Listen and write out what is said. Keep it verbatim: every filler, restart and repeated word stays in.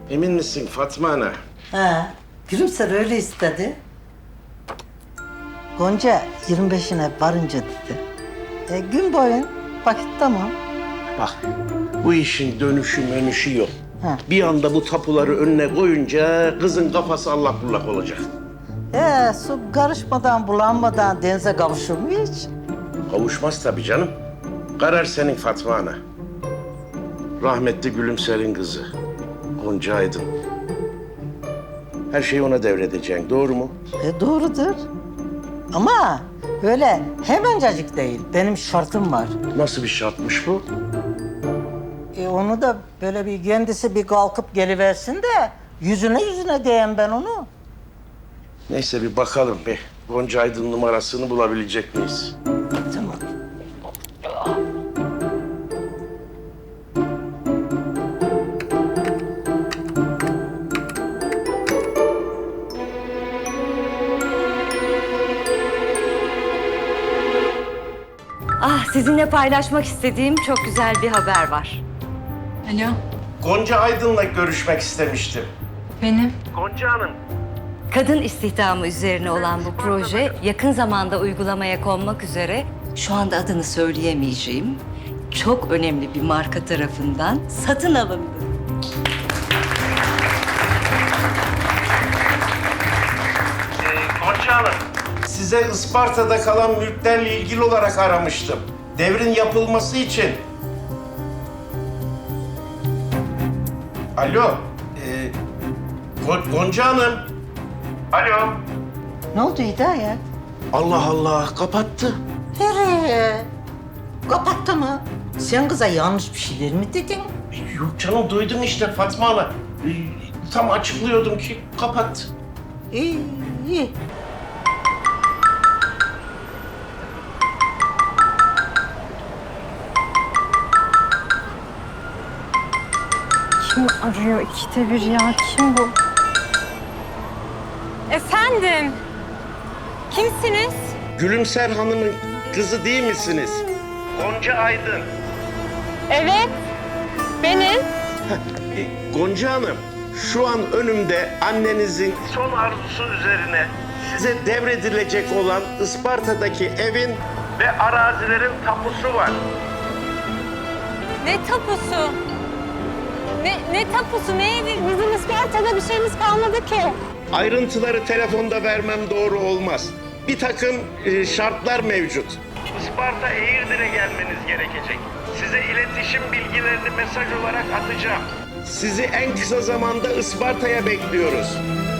Emin misin Fatma Ana? He, Gülümser öyle istedi. Gonca yirmi beşine varınca dedi. E, gün boyun vakit tamam. Bak, bu işin dönüşü menüşü yok. He. Bir anda bu tapuları önüne koyunca kızın kafası allak bullak olacak. E, su karışmadan, bulanmadan denize kavuşur mu hiç? Kavuşmaz tabii canım. Karar senin Fatma Ana. Rahmetli Gülümser'in kızı. Gonca Aydın. Her şeyi ona devredeceksin, doğru mu? E, doğrudur. Ama öyle hemencecik değil. Benim şartım var. Nasıl bir şartmış bu? E, onu da böyle bir kendisi bir kalkıp geliversin de yüzüne yüzüne diyeyim ben onu. Neyse bir bakalım bir. Gonca Aydın numarasını bulabilecek miyiz? Tamam. Ah, sizinle paylaşmak istediğim çok güzel bir haber var. Alo, Gonca Aydın'la görüşmek istemiştim. benim. Gonca Hanım. Kadın istihdamı üzerine olan bu proje yakın zamanda uygulamaya konmak üzere şu anda adını söyleyemeyeceğim çok önemli bir marka tarafından satın alındı. Ee, Gonca Hanım, size Isparta'da kalan mülklerle ilgili olarak aramıştım. Devrin yapılması için. Alo, ee, Go- Gonca Hanım. Alo. Ne oldu Hidayet? Allah Allah, kapattı. Nereye? Kapattı mı? Sen kıza yanlış bir şeyler mi dedin? Yok canım, duydum işte Fatma Ana. Ee, tam açıklıyordum ki kapattı. İyi, iyi. Kim arıyor ikide bir ya? Kim bu? Efendim? Kimsiniz? Gülümser Hanım'ın kızı değil misiniz? Gonca Aydın. Evet, benim. E, Gonca Hanım, şu an önümde annenizin son arzusu üzerine size devredilecek olan Isparta'daki evin ve arazilerin tapusu var. Ne tapusu? Ne, ne tapusu? Ne evi? Bizim Isparta'da bir şeyimiz kalmadı ki. Ayrıntıları telefonda vermem doğru olmaz. Bir takım e, şartlar mevcut. Isparta Eğirdir'e gelmeniz gerekecek. Size iletişim bilgilerini mesaj olarak atacağım. Sizi en kısa zamanda Isparta'ya bekliyoruz.